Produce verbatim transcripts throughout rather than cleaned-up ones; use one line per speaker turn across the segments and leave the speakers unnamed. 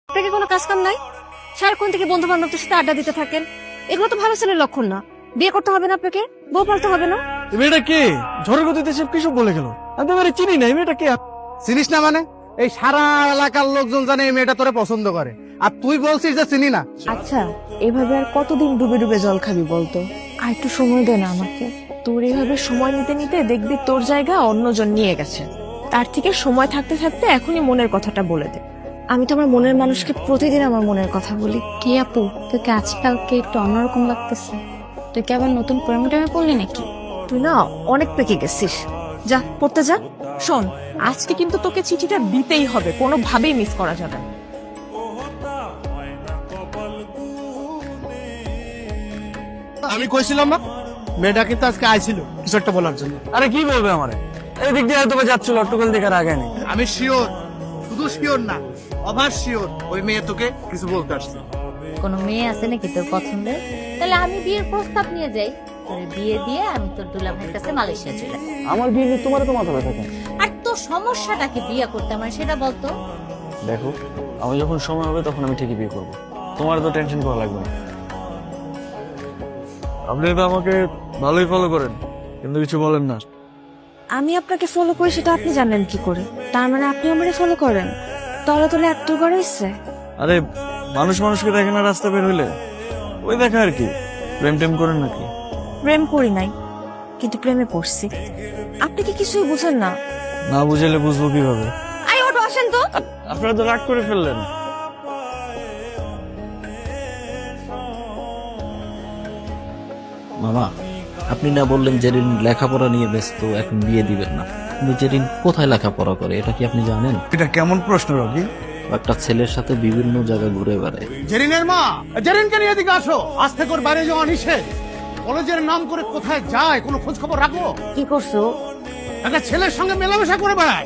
আপনাকে কোনো কাজ কাম নাই? সারাক্ষণ থেকে বন্ধু বান্ধবদের সাথে আড্ডা দিতে থাকেন, এগুলো তো ভালো ছেলের লক্ষণ না। বিয়ে করতে হবে না আপনাকে, বউ পালতে হবে না।
এই মেয়েটা কে? ঝড়ের গতিতে সব কিছু বলে গেল। আমি তো এবারে চিনি না, এই মেয়েটা কে?
চিনিস না মানে? এই সারা এলাকার লোকজন জানে এই মেয়েটা তোরে পছন্দ করে, আর তুই বলছিস যে চিনি না।
আচ্ছা, এভাবে আর কতদিন ডুবে ডুবে জল খাবি বলতো? আর একটু সময় দে না আমাকে। তোর এইভাবে সময় নিতে নিতে দেখবি তোর জায়গা অন্যজন নিয়ে গেছে। তার থেকে সময় থাকতে থাকতে এখনই মনের কথাটা বলে দে। আমি তো আমার মনের মানুষকে প্রতিদিন আমার মনের কথা বলি।
কি আপু, তোকে আজকালকে একটু অন্যরকম লাগতেছে। তুই কি আবার নতুন প্রেমে টেমে পড়লি নাকি?
তুই না অনেক পেকে গেছিস। যা পড়তে যা। শোন, আজকে কিন্তু তোকে চিঠিটা দিতেই হবে, কোনোভাবেই মিস করা যাবে না।
আমি কইছিলাম না মেয়েটা কিন্তু আজকে আইছিল কিছু একটা বলার জন্য।
আরে কি বলবে আমারে? এই দিক দিয়ে হয়তো বা যাচ্ছিল, অট্টকল দেখার আগে নেই।
আমি শিওর, শুধু শিওর না, অভার শিওর ওই মেয়ে তোকে কিছু বলতে আসছে।
কোনো মেয়ে আছে নাকি তোর পছন্দের? তাহলে আমি বিয়ের প্রস্তাব নিয়ে যাই, তোর বিয়ে দিয়ে আমি তোর দুলা ভাইয়ের কাছে মালয়েশিয়া চলে যাই।
আমার বিয়ে নিয়ে তোমার তো মাথা ব্যথা কেন?
আর তোর সমস্যাটাকে বিয়ে করতে আমার সেটা বলতো।
দেখো, আমি যখন সময় হবে তখন আমি ঠিকই বিয়ে করবো, তোমার তো টেনশন করা লাগবে না। আপনি তো আমাকে ভালোই ফলো করেন, কিন্তু কিছু বলেন না।
আমি আপনাকে ফলো করি সেটা আপনি জানেন কি করে? তার মানে আপনি আমারে ফলো করেন? তলে তলে এত বড় ইচ্ছে?
আরে মানুষ মানুষকে দেখে না রাস্তা বের হইলে, ওই দেখা আর কি। প্রেম টেম করেন নাকি?
প্রেম করি নাই, কিন্তু প্রেমে পড়ছি। আপনি কি কিছুই বুঝেন না?
না বুঝাইলে বুঝবো কিভাবে?
আই ওটো আসেন তো।
আপনারা তো রাগ করে ফেললেন।
মামা, আপনি না বললেন জেরিন লেখাপড়া নিয়ে ব্যস্ত, এখন বিয়ে দিবেন না। কিন্তু জেরিন কোথায় লেখাপড়া করে এটা কি আপনি জানেন?
এটা কেমন প্রশ্ন রবি?
একটা ছেলের সাথে বিভিন্ন জায়গায় ঘুরে বেড়ায়।
জেরিনের মা, জেরিনকে নিয়ে এদিকে আসো। আজ থেকে ওর বাইরে যাওয়া নিষেধ। কলেজের নাম করে কোথায় যায় কোনো খোঁজ খবর রাখো?
কি করছো?
একটা ছেলের সঙ্গে মেলামেশা করে বেড়ায়।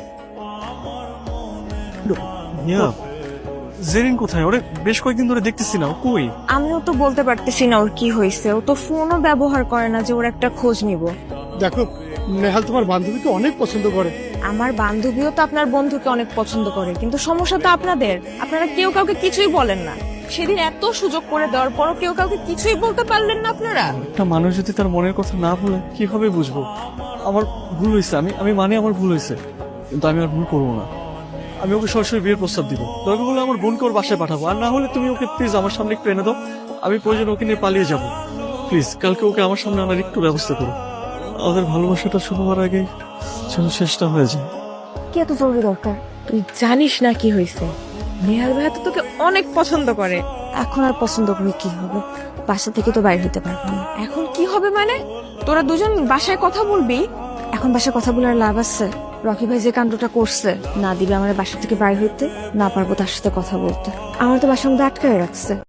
ইয়া, জেরিন কোথায়? ওরে বেশ কয়েকদিন ধরে দেখতেছি না, ও কই?
আমিও তো বলতে পারতেছি না ওর কি হয়েছে। ও তো ফোনও ব্যবহার করে না যে ওর একটা খোঁজ নিব।
দেখো, নেহাল তোমার বান্ধবীকে অনেক পছন্দ করে।
আমার বান্ধবীও তো আপনার বন্ধুকে অনেক পছন্দ করে, কিন্তু সমস্যা তো আপনাদের। আপনারা কেউ কাউকে কিছুই বলেন না। সেদিন এত সুযোগ করে দেওয়ার পরও কেউ কাউকে কিছুই বলতে পারলেন না আপনারা।
একটা মানুষ যদি তার মনের কথা না বলে কিভাবে বুঝবো? আমার ভুল হয়েছে, আমি আমি মানে আমার ভুল হয়েছে, কিন্তু আমি আর ভুল করবো না। আমি ওকে সরাসরি বিয়ের প্রস্তাব দিব। দরকার হলে আমার বোনকে ওর বাসায় পাঠাবো, আর না হলে তুমি ওকে প্লিজ আমার সামনে একটু এনে দাও। আমি প্রয়োজন ওকে নিয়ে পালিয়ে যাবো। প্লিজ কালকে ওকে আমার সামনে আনার একটু ব্যবস্থা করো। আমাদের ভালোবাসাটা শুরু হওয়ার আগে যেন শেষটা হয়ে যায়।
কি এত জরুরি দরকার? তুই জানিস না কি হয়েছে? নেহাল ভাইয়া তো তোকে অনেক পছন্দ করে। এখন আর পছন্দ করে কি হবে? বাসা থেকে তো বাইরে হতে পারবি না। এখন কি হবে মানে? তোরা দুজন বাসায় কথা বলবি? এখন বাসায় কথা বলার লাভ আছে? রকি ভাই যে কাণ্ডটা করছে, না দিবে আমার বাসা থেকে বাইরে হইতে, না পারবো তার সাথে কথা বলতে। আমার তো বাসার মধ্যে আটকায় রাখছে।